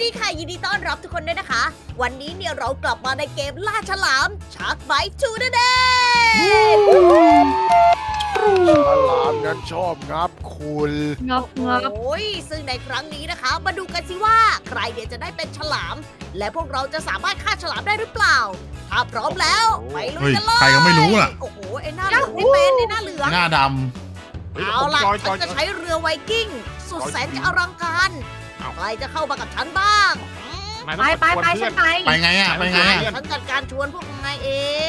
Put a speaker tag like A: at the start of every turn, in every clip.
A: ดีค่ะยินดีต้อนรับทุกคนด้วยนะคะวันนี้เนี่ยเรากลับมาในเกมล่าฉลามชาร์กไบท์ทูนั่นเอง
B: ฉลามนั้นชอบงับคุณ
C: งับงับ
A: โอ้ยซึ่งในครั้งนี้นะคะ มาดูกันสิว่าใครเดี๋ยวจะได้เป็นฉลาม และพวกเราจะสามารถฆ่าฉลามได้หรือเปล่า ถ้าพร้อมแล้วไปลุยกันเลย
D: ใครก็ไม่รู้ล่ะ
A: โอ้โหไอ้หน้าเหลืองไม่เป็นไอ้หน้าเหลือง
D: หน้าด
A: เอาล่ะฉันจะใช้เรือไวกิ้งสุดแสนจะอลังการใครจะเข้ามากับฉันบ้าง
C: ไปฉันไป
D: ำไปไงอ่ะไปไงอ่ะ
A: ฉันจัดการชวนพวกนายเอง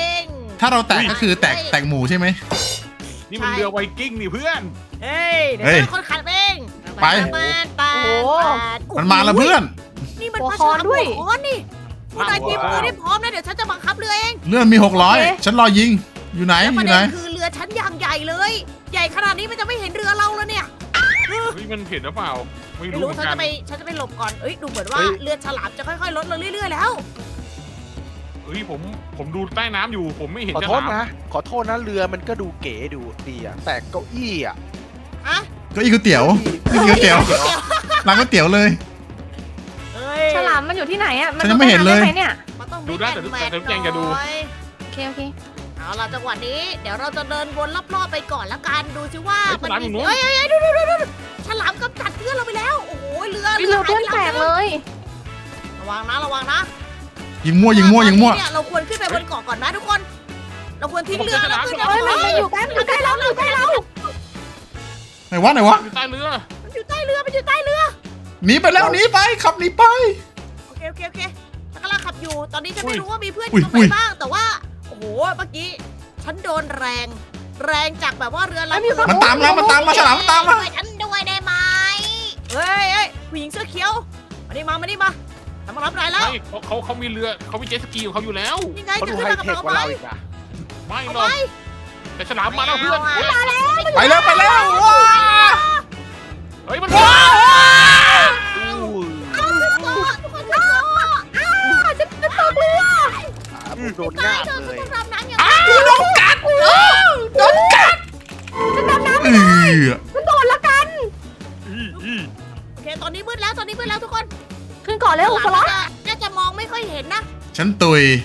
D: ถ้าเราแตกก็คือแตกหมูใช่ไหม
B: นี่มันเรือไวกิ้งนี่เพื่อน
A: เฮ้ยเดี๋ยว
D: เฮ้ย
A: ฉันเป็นคนขับเอง
D: ไป
A: มัน
D: มาแล้วเพื่อน
A: นี่มัน
C: หัว
A: ปลา
C: คอ
A: ฉลาม
C: ด้วย
A: หัวคอนนี่พวกนายเตรียมตัวได้พร้อมนะเดี๋ยวฉันจะบังคับเรือเอง
D: เลื่อนมี600ฉันรอยิงอยู่ไหน
A: แล้ว
D: อ
A: ประ
D: ยู่
A: เด็
D: ไหน
A: นคือเรือฉันอย่างใหญ่เลย ใหญ่ขนาดนี้มันจะไม่เห็นเรือเราแล้วเนี่ย
B: เฮ้ยมันเห็นหรือเปล่าไม่
A: ไม่
B: รู้
A: รู้
B: เหมือน
A: ฉัน
B: กั
A: จะ
B: น
A: ไปฉันจะไปหลบก่อนเอ้ยดูเหมือนว่าเรือฉลามจะค่อยๆลดลงเรื่อยๆแล้ว
B: เฮ้ยผมดูใต้น้ำอยู่ผมไม่เห็น
E: ขอ
B: ฉ
E: โทษ
B: ลาม
E: นะ ขอโทษนะเรือมันก็ดูเก๋ดูดีอะแต่เก้าอี้อะ
A: ฮะ
D: ก็อีกก๋วยเตี๋ยวอีกก๋วยเตี๋ยวร้านก๋วยเตี๋ยวเลย
A: เอ้ย
C: ฉลามมันอยู่ที่ไหนอ่ะ
D: ฉันยังไม่เห็นเลย
C: ด้หเนี่ย
A: มันต้อง
B: ดูได้แต่
A: แมท
B: แต่แจงจะดู
A: หน่อย
C: โอเคโอเค
A: เอาล่ะจังหวะนี้เดี๋ยวเราจะเดินวนรอบๆไปก่อนละกันดูสิว่า
B: เฮ้ยฉลามอยู่นู้น
A: เฮ้ยดูฉลามกำจัดเพื่อนเราไปแล้วโอ้โหเรือ
C: เรือเพื่อนแตกเลย
A: ระวังนะ
D: ยิงมั่วยิงมั่วยิงมั่ว
A: เนี่ยเราควรขึ้นไปบนเกาะก่อนนะทุกคน เราควรทิ้งเรือแล้วขึ้น
C: เฮ้ยมันอยู่ใกล้เราอยู่ใกล้เรา
D: ไหนวะไหนวะ
B: อยู่ใต้เรือ
A: มันอยู่ใต้เรือ
D: หนีไปแล้วหนีไปขับหนีไป
A: โอเคฉันกำลังขับอยู่ตอนนี้ฉันไม่รู้ว่ามีเพื่อนอ
D: อุ้ย
A: ยู่ตรง
D: อุ้
A: ไหน
D: ย
A: บ้างแต่ว่าโอ้โหเมื่อกี้ฉันโดนแรงจากแบบว่าเรือลำ
D: มันตามมาฉลามมันตามมา
A: ช่วยฉันด้วยได้ไหมเฮ้ยผู้หญิงเสื้อเขียวมานี่มาทำมารับนายแล้ว
B: ไม่เขามีเรือเขามีเจ็ตสกีของเขาอยู่แล้ว
A: ยังไง
E: เขา
A: จะ
E: ดู
A: ขึ้น
E: ไฮ
A: มากับ
E: เทค
A: เรา
E: กว่า
A: ไหม
E: เราอีกนะ
B: ไม่
A: เอา
B: หรอก
A: ไหม
B: แต่ฉลามมาแล้วเพื่อน
D: ไปแล้วว้า
B: เฮ้ยมัน
D: ว้า
A: ทุกคนขึ้นเกาะ
C: ฉันตกเรือ
E: ผมโดน
A: ตาง
E: าย บ
A: เธอ
E: เล
A: ฉัน
E: ย
A: ต้องทำน้ำอย่าง
D: โดนกัดโดนกัด
C: ฉันดำน้ำ
D: เออ
C: ฉันโดนละกัน
A: โอเคตอนนี้มืดแล้วทุกคน
C: ขึ้นเกาะเร็วสล็อต
A: น่าจะมองไม่ค่อยเห็นนะ
D: ฉันตุย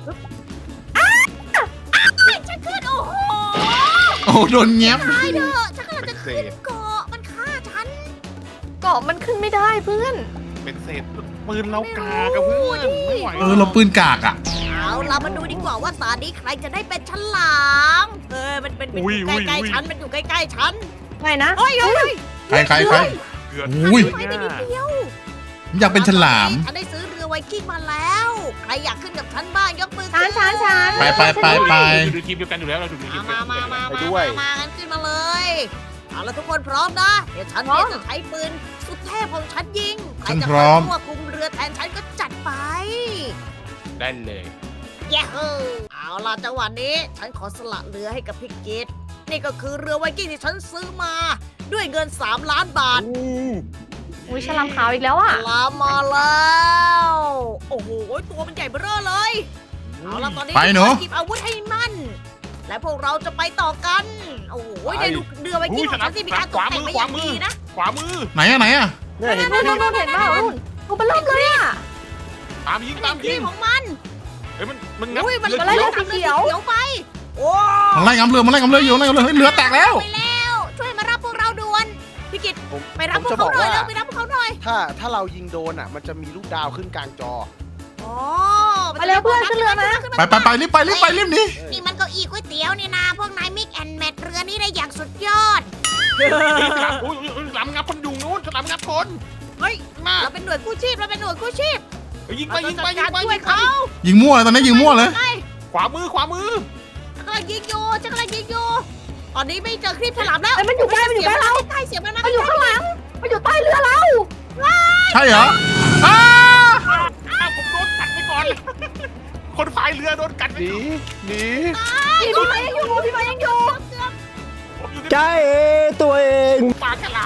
A: ฉันขึ้นโอ้โห
D: โอ้โดนแง้ม
A: ตายเถอะฉันกำลังจะขึ้นเกาะมันฆ่าฉัน
C: เกาะมันขึ้นไม่ได้เพื่อน
B: เป็นเศษปืนเรากากับเพื่อนไม่ไหว
D: เราปืนกากอ่ะ
A: เอาล่ะมาดูดีกว่าว่าตอนนี้ใครจะได้เป็นฉลามมันอยู่ใกล้ๆฉันมันอยู่ใกล้ๆฉัน
C: ไงนะ
A: เฮ้ย
D: ใคร
B: เกือบ
D: อุ้ย
A: ไปนิดเดียว
D: อยากเป็นฉลาม
A: ฉันได้ซื้อเรือไวกิ้งมาแล้ว ใครอยากขึ้นกับฉันบ้างยกมือ
C: ฉัน
D: ไป
B: อยู่ในทีมเดียวกันอยู่แล้วเราอยู่ในทีมเดียวกัน
A: มากันขึ้นมาเลยเอาล่ะทุกคนพร้อมนะเดี๋ยวฉันเนี่ยจะใช้ปืนสุดเทพของฉันยิงใครจะคอยควบคุมเรือแทนฉันก็จัดไป
B: ได้เลย
A: เย้ฮูเอาล่ะจังหวะนี้ฉันขอสละเรือให้กับพี่กิตนี่ก็คือเรือไวกิ้งที่ฉันซื้อมาด้วยเงิน3 ล้านบาท
C: อุ้ยฉลามขาวอีกแล้วอ่ะ
A: ลามมาแล้วโอ้โหตัวมันใหญ่เบ้อเลยเอาล่ะตอนนี้
D: ไปหนู
A: หยิบอาวุธให้มั่นและพวกเราจะไปต่อกันโอ้โหได้ดูเรือไวกิ้งของฉันที่มีการตกแต่งมาอย่างดีนะ
B: ขวามือ
D: ไหนอะ
E: เนี่ยเห็น
C: นู่นเห็นเปล่านู่นตัวเบลเริ่มเลยอ่ะ
B: ตามยิง
A: นี่
B: ตาม
A: ครี
B: ยิง
A: มของมัน
B: เฮ้ยมันงับ
A: อุ้ยมัน
B: เรือ
C: อะไร
B: เขียว
C: สีเขียว
A: เขียวไปโอ้
D: มันไล่งำเรืออยู่เฮ้ยเรือแตกแล้ว
A: ไปแล้วช่วยมารับพวกเราด่วนพี่กิต
E: ผม
A: ไปรับ
E: ผม
A: พวก
E: จะบ
A: เขา
E: อก
A: หน่อย
E: ว่า
A: เร็วไปรับพวกเขาหน่อย
E: ถ้าเรายิงโดนอะมันจะมีลูกดาวขึ้นกลางจอ
A: อ๋อ
C: ไปเร็วเพื่อนขึ้นเรือมา
D: ไปรีบไปรีบหนี
A: นี่มันเก้าอี้ก๋วยเตี๋ยวนี่นะพวกนายมิกแอนแมทเรือนี้ได้อย่างสุดยอด
B: ฉลามอุ้ยฉลามงับคนอยู่นู้นฉลามงับคน
A: เฮ้ย
B: มา
A: เราเป็นหน่วยกู้ชีพ
B: ยิงไป
A: เราจะจัดการช่วยเขา
D: ยิงมั่วเลยตอนนี้ยิงมั่วเลย
B: ขวามือ
A: ฉันกำลังยิงอยู่ตอนนี้ไม่เจอครีบฉลามแล้ว
C: มันอยู่ใกล้เรา
A: ใกล้เสียงมันมา
C: มันอยู่ข้างหลังมันอยู่ใต้เรือเรา
D: ใช่เหรอ
B: อ้าวผมโดนกัดไปก่อน คนพายเรือโดนกัดไป
E: หนี
C: พี่ไม้ยังอยู่พี่ไม้ยังอยู่
B: ผมอยู่ใน
F: ใจตัวเอง
B: ปากฉลาม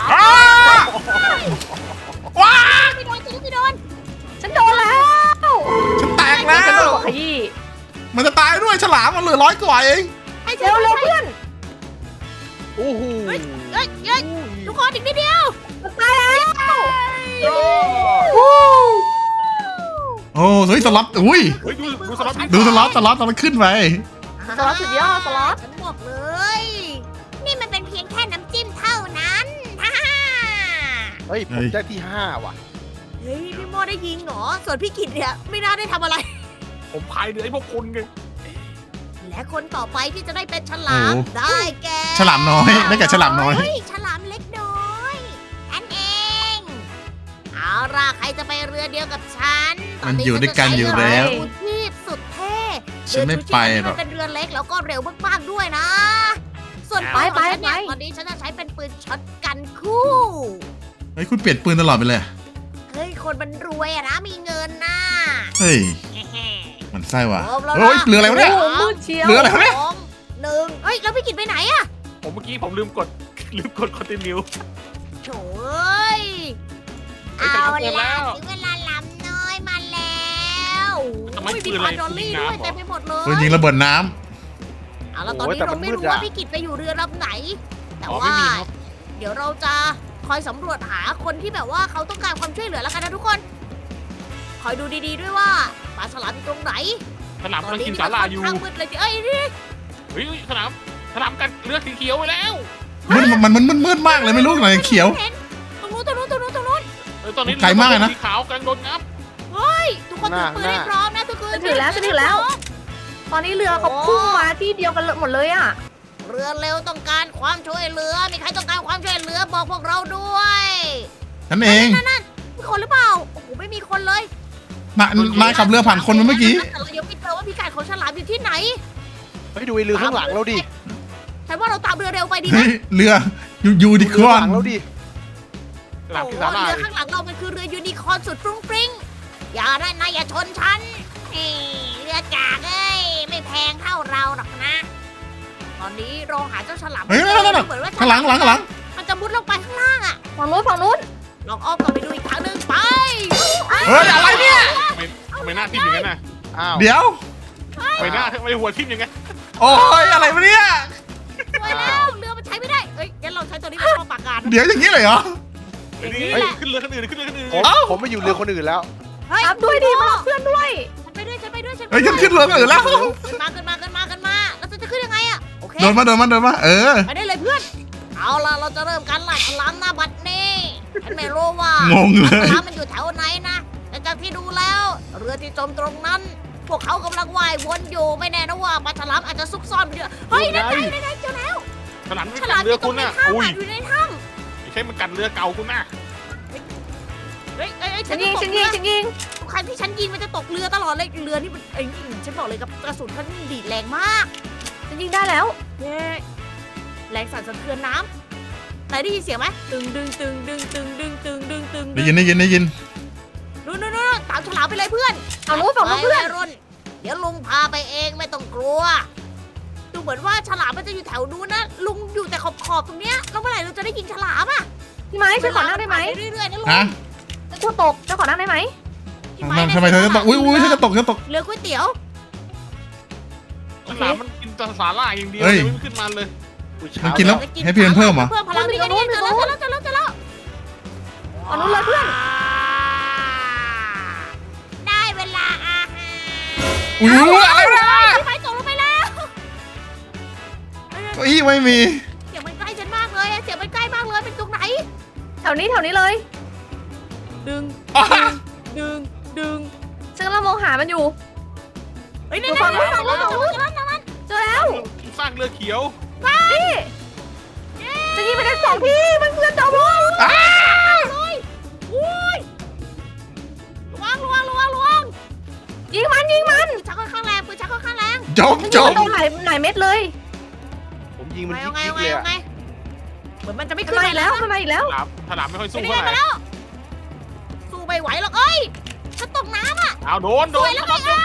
D: ว้า
A: ไม่โดน
C: ฉันโดนแล้ว
D: ฉันแตกแล้ว
C: ฉันโดนขยี้
D: มันจะตายด้วยฉลามมันเหลือ100 กว่าเอง
A: ให้ฉั
C: เร็
A: น
C: วเร็วเพื่อน
E: โอ้โห
A: เฮ้ยทุกคนอีกนิดเดียว
C: ตายแล้ว
B: โอ้
C: วู้
D: อ้เฮ้ยสล็อตอุ้ย
B: เฮ้ยดูสล็อต
D: ดูสล็อตขึ้นไป
C: สล็อตสุดยอดสล็อต
A: ฉันบอกเลย นี่มันเป็นเพียงแค่น้ำจิ้มเท่านั้นฮ่าฮ่า
E: เฮ้ยผมได้ที่ 5 ว่ะ
A: เฮ้ยพี่โมได้ยิงเหรอส่วนพี่กิตเนี่ยไม่น่าได้ทำอะไร
B: ผมพายเรือให้พวกคุณไง
A: และคนต่อไปที่จะได้เป็นฉลาม
D: โอ้
A: ได้แก่
D: ฉลามน้อยได้แก่ฉลามน้อย
A: เฮ้ยฉลามเล็กน้อยฉันเองเอาล่ะใครจะไปเรือเดียวกับฉัน
D: มันอยู่ด้วยกันอยู่แล้ว
A: เรือชูชีพสุดเท่
D: ฉันไม่ไปหรอก
A: เชูชีพมันเป็นเรือเล็กแล้วก็เร็วมากๆด้วยนะ ส่วนปืนของฉันเนี่ยตอนนี้ฉันจะใช้เป็นปืนช็อตกันคู่
D: เฮ้ยคุณเปลี่ยนปืนตลอดไปเลย
A: เฮ้ยคนมันรวยอะนะมีเงินนะ
D: เฮ้ย
A: แฮ่
D: มันไส้ว่ะ
A: ๆครบแล้วนะ
D: เฮ้ยเรืออะไรวะเนี่ย
C: โอ้โหมืดเชียว
D: เรืออะไรวะเนี่ย
A: สองหนึ่งเฮ้ยแล้วพี่กิตไปไหนอะ
B: ผมเมื่อกี้ผมลืมกดคอนติเนีย
A: โถ่เอ้ย
B: เฮ้ย
A: เอา
B: แต่เขาเปิดแล้
A: ล่ะ
B: ว
A: ถึงเวลาลำน้อยมาแล้ว
B: ทำไม
A: โอ้ย
B: ปื
A: มี
B: น
A: ป
B: อะไร
A: ลาดอลลี่
B: ยิง
A: ด้วย
B: น้ำเหรอ
A: เต็มไปหมดเล
D: ปืน
A: ย
D: ยิงระเบิดน้
A: เอาแล้วตอนนี้
E: โอ้ยแต่
A: เรา
E: มัน
A: ไม่
E: มืด
A: รู้ว่า
E: อะ
A: พี่กิตไปอยู่เรือลำไหน แต่
B: อ๋อไม่
A: ว่า
B: มีครับ
A: เดี๋ยวเราจะคอยสำรวจหาคนที่แบบว่าเขาต้องการความช่วยเหลือแล้วกันนะทุกคน คอยดูดีๆด้วยว่าปลาฉลามอยู่ตรงไหน
B: สนาม
A: ต
B: กำ
A: อน
B: ลัง
A: นี้
B: กิน
A: นี่
B: สา
A: มัน
B: ลา
A: ค่อน
B: อยู่
A: ข้างมืดเลยทีเอ้ยนี่
B: เฮ้ยสนามกันเรือสีเขียวไปแล้ว
D: ำมันมืดมากเลยไม่รู้ไหนเขียว
A: เห็นตรงนู้นตรงนู้นตรงนู้นตรงนู้น
B: ตอนนี้
D: ไกลมากเลยนะ
B: สีขาวกำลังโดนงับ
A: เฮ้ยทุกคนถือปืนให้พร้อมนะทุกคน
C: ฉันถือแล้วฉันถือแล้ว ตอนนี้เรือเขาพุ่งมาที่เดียวกันหมดเลยอ่ะ
A: เรือเร็วต้องการความช่วยเหลือ มีใครต้องการความช่วยเหลือบอกพวกเราด้วย
D: นั่นเอง
A: นั่นมีคนหรือเปล่า โอ้โหไม่มีคนเลย
D: นายขับเรือผ่านคนมาเมื่อกี้
A: แต่เรายังไม่เจอว่าพิกัดของฉลามอยู่ที่ไหน
E: เฮ้ยดูไอ้เรือข้างหลังเราดิ
A: ฉันว่าเราตามเรือเร็วไปดีไหม
D: เฮ้ยเรือยูนิค
E: เรือ
D: อ
E: ข้าง
D: ร์
E: หลั
D: น
E: งเราดิ
B: สนาม
A: โอ้
B: กิน
A: โห
B: สาลา
A: เรือข้างหลังเรามันคือเรือยูนิคอร์นสุดฟรุ้งฟริ้งอย่าได้นะอย่าชนฉันนี่เรือกากเอ้ยไม่แพงเท่าเราหรอกนะ ตอนนี้เราหาเจ้าฉลาม
D: เฮ้ยนั่น
A: เหมือนว่า
D: ข้างหลังข้างหลัง
A: มันจะมุดลงไปข้างล่างอะ
C: ฝั่งนู้นฝั่งนู้น
A: ลองอ้อมกลับไปดูอีกครั้งหนึ่งไป
D: เฮ้ยอะไรเนี่ย
B: ทำไมหน้าทิ่มอย่างนั้นน่ะ
E: อ้าว
D: เดี๋ยว
B: ทำไมหน้าทำไมหัวทิ่มอย่างนั้น
D: โอ้ยอะไรวะเนี่ย
A: ไปแล้วเรือมันใช้ไม่ได้เอ้ยงั้นเราใช้ตัวนี้เป็นข้อปากการ
D: เดี๋ยวอย่างนี้เลยเหรอ
B: เฮ้ยนี่
A: เฮ้ย
B: ขึ้นเรือคนอื่นขึ้นเรือคนอื่น
E: ผมมาอยู่เรือคนอื่นแล้ว
A: เฮ้ย
C: รับด้วยดิมารับเพื่อนด้วย
A: ฉันไปด้วยฉันไปด้วยฉันไป
D: เฮ้ย
A: ด้
D: ฉั
A: วน ย
D: ขึ้นเรือกันอื่นแล้ว
A: ขึ้นมาขึ้นมาขึ้นมาขึ้นมาแล้วฉันจะขึ้นยังไงอะโอเค
D: เดินมาเออ
A: ไปได้เลยเพื่อน เอาล่ะเราจะเริ่มการล่าฉลามหน้าบัดนี้ฉันไม่รู้ว่าง
D: งเลย
A: ฉลามมันอยู่แถวไหนนะแต่จากที่ดูแล้ว เรือที่จมตรงนั้น พวกเขากำลังว่ายวนอยู่ไม่แน่นะว่าปลาฉลามอาจจะซุกซ่อนอยู่เฮ้ยนั่นไงเจอแล้ว
B: ฉลามไม่
A: ฉ
B: กั
A: ลา
B: ด
A: มอ
B: เรือยู่
A: ตร
B: คุ
A: ง
B: ณ
A: ใน
B: น่ะ
A: ถ้ำ
B: อุ้ย
A: อยู่ในถ้
B: ไม่ใช่มันกัดเรือเก่าคุณน่ะ
A: ำเฮ้ย
C: ฉันยิงฉันยิงฉันยิง
A: ทุกครั้งที่ฉันยิงมันจะตกเรือตลอดเลยเรือนี่มันฉันบอกเลยกับกระสุนมันดีดแรงมาก
C: ฉันยิงได้แล้ว
A: เย้แรงสั่นสะเทือนน้ำไหนได้ยินเสียงไหมตึงดึงตึงดึงตึงดึงตึงดึงตึง
D: ได้ยิน
A: นู่นตามฉลามไปเลยเพื่อน
C: ฝั่งนู้นฝั่งนู้นเพื่อน
A: ไปรุ่นเดี๋ยวลุงพาไปเองไม่ต้องกลัว ดูเหมือนว่าฉลามมันจะอยู่แถวนู้นนะ ลุงอยู่แต่ขอบตรงเนี้ยแล้วเมื่อไหร่เราจะได้ยิงฉลามอ่ะ
C: พี่ไม้ฉันขอนั่งได้ไหม
A: เวลาผ่านปเรื่อยๆนะลุง
D: ฮะ
C: ฉันกลัวตกฉันขอนั่งได้ไหม
A: พี่ม้
D: ทำไมเธอจะตกอุ้ยฉันจะตก
A: เรือก๋วยเตี๋ยว
B: ฉลามมันกินแต่สาลายอย่างเดียว
D: เฮ้ย
B: เลยไม่ขึ้นมาเลย
D: มันกินแล้ว ให้พี่มันเพิ่มเหรอ
A: เพิ่มพลังนี่นี่เจอแล้วเจอแล้ว
C: ฝั่งนู้นเลยเพื่อน
A: ได้เวลาอาหาร
D: อุ้ยอะไรวะ
A: พี่ไม้ตกลงไปแล้ว
D: เก้าอี้ไม่มี
A: เสียงมันใกล้ฉันมากเลยเสียงมันใกล้มากเลยเป็นตรงไหน
C: แถวนี้เลย
A: ดึง ดึง
C: ฉันกำลังมองหามันอยู่
A: เฮ้ย
C: ดู
A: นี่
C: ฝั่งนู้น
A: ๆ
C: ฝั่งนู้นฝั่งนู้นเจอแล้ว
B: สร้างเรือเขียว
C: นี่จะยิงไปได้2ที่มันเพื่อนจอมลง
A: เลยอุ้ยระวัง
C: ยิงมัน
A: ปืนชักค่อนข้างแรงปืนชักค่อนข้างแรง
D: จม
C: มันยิงมันหลายเม็ดเลย
E: ผมยิงมัน
A: เอา
E: ยิกๆเลยอะ
A: ไงเหมือนมันจะไม่
C: มัน
A: ขึ้น
C: มาอีกแล้วมันมาอีกแล้ว
B: ฉลามไม่ค่อย
A: ไป
B: สู้
A: นี่
B: เท่าไห
A: ไป
B: ร่
A: แล้วสู้ไม่ไหวหรอกเอ้ยฉันตกน้ำอ่ะ
B: เอาโดน
A: สวยแล้ว
B: ฉลาม
A: ไง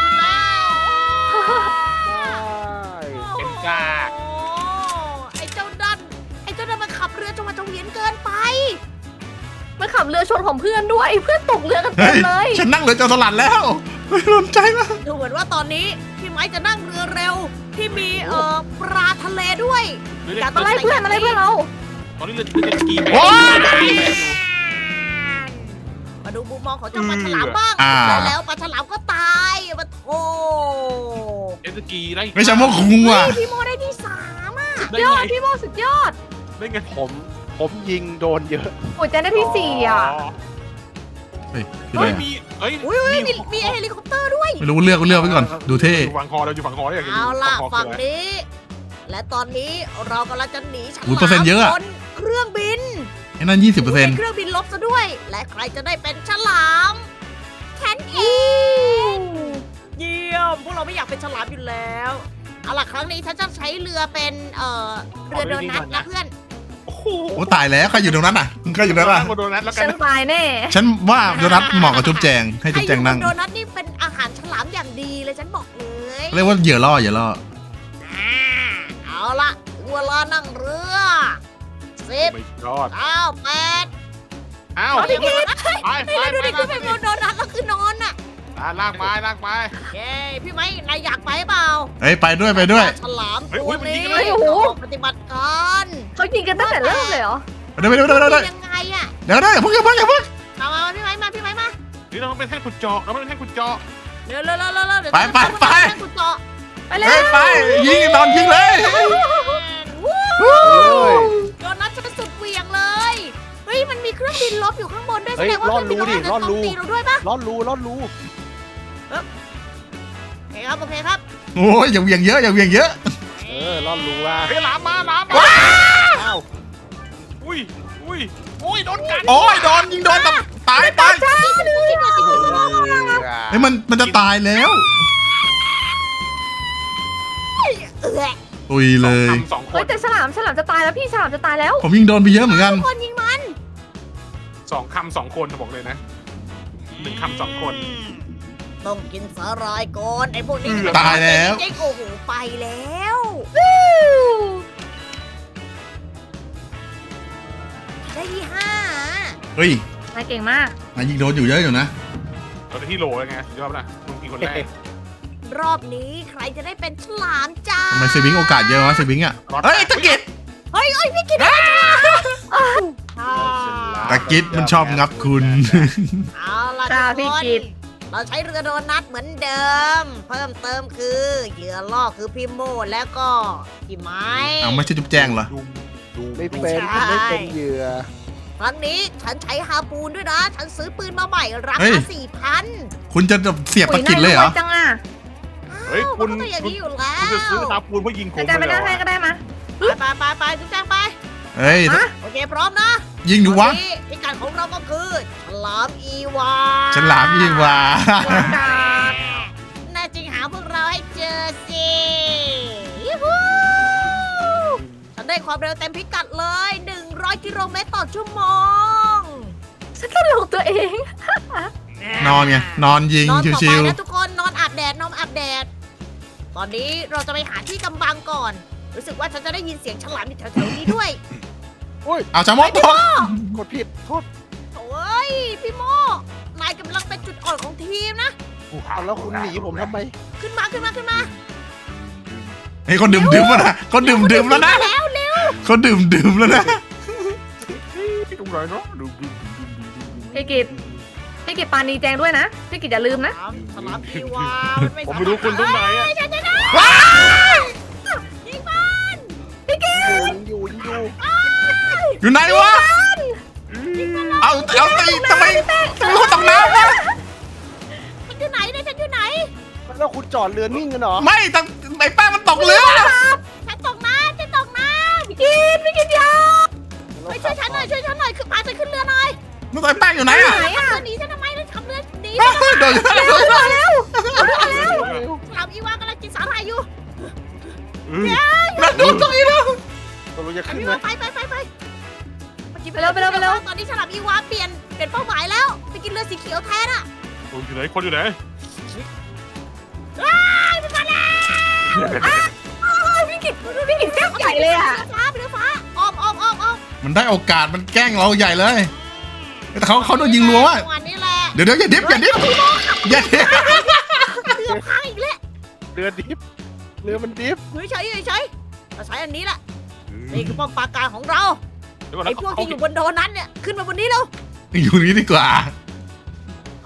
B: เป็นกาก
A: โอ้ไอ้เจ้าดันมันขับเรือจงมาจงเวียนเกินไป
C: มันขับเรือชนของเพื่อนด้วยเพื่อนตกเรือกันเต็
D: เฮ้
C: ม
D: ย
C: เลย
D: ฉันนั่งเรือจอสลัดแล้วไม่สนใจแล้ว
A: ดูเหมือนว่าตอนนี้พี่ไม้จะนั่งเรือเร็วที่มีปลาทะเลด้วย อย่า
C: มาไล่เพื่อนเรา
B: ตอนนี้เรือจะกีไป
D: โอ้ย
A: เมาดูมุมมองของเจ้าปลาฉลามบ้าง
D: อ่า
A: แล้วปลาฉลามก็ตายมาโถ
B: เอสกีได้
D: ไม่ใช่พวกคุงว่ะ
A: พี่โมได้ที่3อ่ะ
B: ได้
C: ยอ
B: ไง
C: ดพี่โมสุดยอด
B: ได้ไง
E: ผมยิงโดนเยอะ
C: โอ้ยแจนได้ที่4อ่ะ
D: เฮ้ยคืออะไร
B: เฮ้ย
D: อะ
B: มีเฮ้ย
A: อุ้ยมีเฮลิคอปเตอร์ด้วย
D: ไม่รู้เลือกไว้ก่อน ดูเท่
B: อยู่ฝั่งคอเราอยู่ฝั่งคอได้อย่าง
A: เอาล่ะ
B: คอ
A: ฝั่ง
B: คืออะไร
A: นี้ และตอนนี้เรากำลังจะหนีฉลาม
D: อุ๊ยเปอร์เซ็นต์เยอะอะ
A: บนเครื่องบิน
D: ไอ้นั่น 20%
A: เครื่องบินลบซะด้วย และใครจะได้เป็นฉลามแคนเองเยี่ยมพวกเราไม่อยากเป็นฉลามอยู่แล้วเอาล่ะครั้งนี้ฉันจะใช้เรือเป็นเรือโดนัทนะเพื่อน
B: โอ้โห
D: โอ้ตายแล้วใครอยู่ตรงนั้นอ่ะใครอยู่ตรงนั้นอ่ะ
B: โดนัทแล้วกั
C: ฉั
B: น
C: นตายแน่
D: ฉันว่าโดนัทเหมาะกับจุ๊บแจงให้จุ๊บแจงนั่ง
A: ไอ้โดนัทนี่เป็นอาหารฉลามอย่างดีเลยฉันบอกเลย
D: เรียกว่าเหยื่อล่อ
A: อ่าเอาล่ะถึงเวลานั่งเรือ10
B: ไม่ยอด
A: 9 8
B: อ้าว
A: เอาดิกิน
B: ไป
A: นี่เราดูดิคือเป็นโดนัทแล้วคือนอนอ่ะ
B: ลากไปลากไป
A: เย้พี่ไม้นายอยากไปเปล่า
D: เฮ้ยไปด้วย
A: ฉลาม
B: เฮ้ย
A: ตัว
B: มันยิ
A: นี้
B: งกันเลย
C: โอ้โห
A: ปฏิบัติการ
C: เขายิงกันตั้งแต่เริ่มเลยเหรอ
D: ไปด้วย
A: ยังไงอะ
D: เดี๋ยวอย่าเพิ่ง
A: มาพี่ไม้มาพี่ไม้มา
B: นี่เราเป็นแท่นขุดเจาะเราเป็นแท่นขุดเจาะ
A: เร็วเดี๋ยว
D: ไป
A: ให้คุณเจาะ
C: ไปเลย
D: เฮ้ยไปยิงนอนยิงเลย
A: วู้โดนัทจะสุดเหวี่ยงเลยเฮ้ยมันมีเครื่องบินลบอยู่ข้างบนด้วยแส
E: เฮ้ย
A: ดงว่า
E: รอดรู้ดิ
A: เคงบินลบ
E: รอดรู้
A: าจะโจมตีเราด้วยปะ
E: รอดรู
A: โอเคครับ
D: โอ้ยอย่าเหวี่ยงเยอะ
E: รอดรู้ว่า
B: เฮ้ยหลามมาอ้าวอุ้ยโดนกัด
D: โอ้ยโดนยิงโดนตายไปเฮ้ยมันจะตายแล้ว ตุยเลย
B: สองค
C: เฮ้ย
B: น
C: แต่ฉลามจะตายแล้วพี่ฉลามจะตายแล้ว
D: ผมยิงโดนไปเยอะเหมือนกัน
A: ทุกคนยิงมัน
B: 2 คนบอกเลยนะ1 คำ 2 คน
A: ต้องกินสาหร่ายก่อนไอ้พวกนี้
D: ตายแล้ว
A: จริงๆโอ้โหไปแล้วได้ที่5
D: เฮ้ย
C: นายเก่งมาก
D: นายยิงโดนอยู่เยอะอยู่นะ
B: เราได้ที่โหลเลยไงยอดนะมึงกินคนแรก
A: รอบนี้ใครจะได้เป็นฉลามจ้า
D: ทำไมเซบิงโอกาสเยอะวะเซบิงอ่ะ เฮ้ยตะกิด
A: เฮ้ยพี่กินได้ฉลามอ่า
D: ตะกิดมันชอบงับคุณ
A: เอาล่ะ
C: จ้า
A: ทุ
C: พี่
A: กคน
C: กิต
A: เราใช้เรือโดนัทเหมือนเดิม เพิ่มเติมคือเหยื่อล่อคือพี่โมแล้วก็พี่ไม้
D: เอาไม่ใช่จุ๊บแจงเหรอ
E: ไม่เป็นผมไม่เป็นเหยื่อ
A: ครั้งนี้ฉันใช้ฮาปูนด้วยนะ ฉันซื้อปืนมาใหม่รา
D: เฮ้
A: คาย 4,000
D: คุณจะเสียบตะกิดเลยเหรอ
C: ยจังอ่ะ
B: เฮ้ยคุณ
A: มันก็ต้องอย่างนี้อยู่แล้
B: คุณจะ
A: ว
B: ซื้อตาปูนเพื่อยิงผม
C: อาจารย์ไป
B: เลย
C: นั่งให้ก็ได้มา
A: ไปจุ๊บแจ้งไป
D: เฮ้ย
C: ฮะ
A: โอเคพร้อมนะ
D: ยิงดูวะ
A: นนี้พิกัดของเราก็คือฉลามอีวา
D: ฉลามยิงว่ะ
A: แน่จริงหาพวกเราให้เจอสิยูฮูฉันได้ความเร็วเต็มพิกัดเลย 100 กิโลเมตรต่อชั่วโมง
C: ฉันตลกตัวเอง
D: นอนไง นอนยิง
A: นอนต่อ
D: ชิ
A: ไป
D: ว
A: นะทุกคนนอนอาบแดดนอนอาบแดด ตอนนี้เราจะไปหาที่กำบังก่อน รู้สึกว่าฉันจะได้ยินเสียงฉลามอยู่แถวๆนี้ด้วย
D: ๆเอาจามกตก
E: กดผิดโทษ
A: โอ้ยพี่โมนายกำลังเป็นจุดอ่อนของทีมนะ
E: เอาแล้วคุณหนีผมทำไม
A: ขึ้นมา
D: เฮ้ยคนดื่มแล้วนะคนดื่มแล้วนะ
A: แล้วเร็ว
D: คนดื่มแล้วนะ
B: ตรงไหนเนาะดู
C: พี่กิตปานีแจงด้วยนะ พี่กิตอย่าลืมนะ
A: ฉลามอีวา
B: ผมไม่รู้คุณตรงไหนอะ
A: ฉันจะได้ยิงมัน
E: อยู่
D: อยู่ไหนวะ เอาตีทำไมคนตกน้ำวะ
A: ฉันอยู่ไหนเนี่ยฉันอยู่ไหน
E: แล้วคุณจอดเรือนิ่งกันเหรอ
D: ไม่ตั้งไอ้แป้งมันตกเรือ
A: ฉันตกน้ำ
C: พี่กิตอยา
A: ไปช่วยฉันหน่อยคือพาฉันขึ้นเรือหน่อย
D: นั่นไอ้แป้งอยู่ไหนอ่ะ
A: เรือหนีฉันทำไมทำเรือหนี
D: โดน
A: ฉลามอีวากำลังกินสาหร่ายอยู่
D: นั่นโดนตรงนี้แล้ว
E: ตกลงจะ
A: ฉลาม
E: ขึ้น
A: อี
E: ไหม
A: วาไปเร็วตอนนี้ฉลามอีวาเปลี่ยนเป้าหมายแล้วไปกินเรือสีเขียวแทนอ่ะ
B: คนอยู่ไหนคนอยู่ไหน
C: พี่กิตแก้วใหญ่เลยอ่ะ
A: ไปเรือฟ้าอ้อม
D: มันได้โอกาสมันแกล้งเราใหญ่เลย แต่เขาโดนยิงรัวว่ะ
A: วันนี้แหละ
D: เดี๋ยวอย่าดิฟอย่าดิฟ
A: เรือพังอีกแล้ว
E: เรือดิฟเรือมันดิฟ
A: เฉยเราใช้อันนี้แหละนี่คือป้อมปราการของเรา
B: เดี๋ยวก่อน
A: ไอ้
B: นะ
A: พวกที่อยู่บนโดนัทเนี่ยขึ้นมาบนนี้แล้ว
D: อยู่นี้ดีกว่า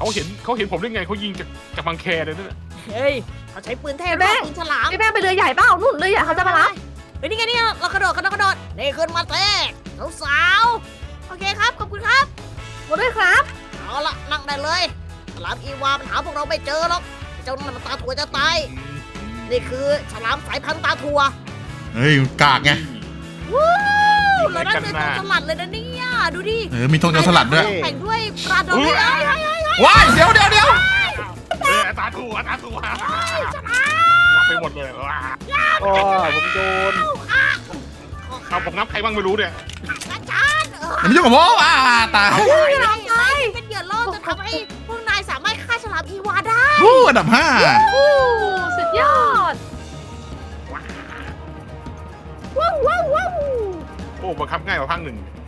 B: เขาเห็นผมได้ไงเขายิงจากบังแคเลยนั่นน่ะ
A: เฮ้ยเขาใช้ปืนเทพรอบปืนฉลาม
C: พี่แป้งไปเรือใหญ่เปล่านู่นเรือใหญ่เขาจะมารับ
A: เฮ้ยนี่ไงนี่เรากระโดดนี่ขึ้นมาเต้สาวๆโอเคครับขอบคุณครับ
C: หมดด้วยครับ
A: เอาละนั่งได้เลยฉลามอีวามันหาพวกเราไม่เจอหรอกเจ้านั่นมันตาถั่วจะตายนี่คือฉลามสายพันธุ์ตาถั่ว
D: เฮ้ยกากไง
A: วู้แล้วนั่นเป็นตัวสลัดเลยนะเนี่ยดูดิ
D: มีธงจรสลัดด้วย
A: แต่งด้วยปลาดองเลย
D: ว้ายเดี๋ยว
B: ตาถั่วมาไปหมดเลยว้า
E: โอ้ผมโดน
B: เอาผมนับใครบ้างไม่รู้เนี่ย
A: อาจารย์
D: อย่ามายุ่งกับโมตาย
A: เป็นเหยื่อล่อจะทำให้พวกนายสามารถฆ่าฉลามอีวาได้
D: อันดับ 5
C: อู้สุดยอด
A: ว้าว
B: โอ้บังคับง่ายกว่าภาคหนึ่ง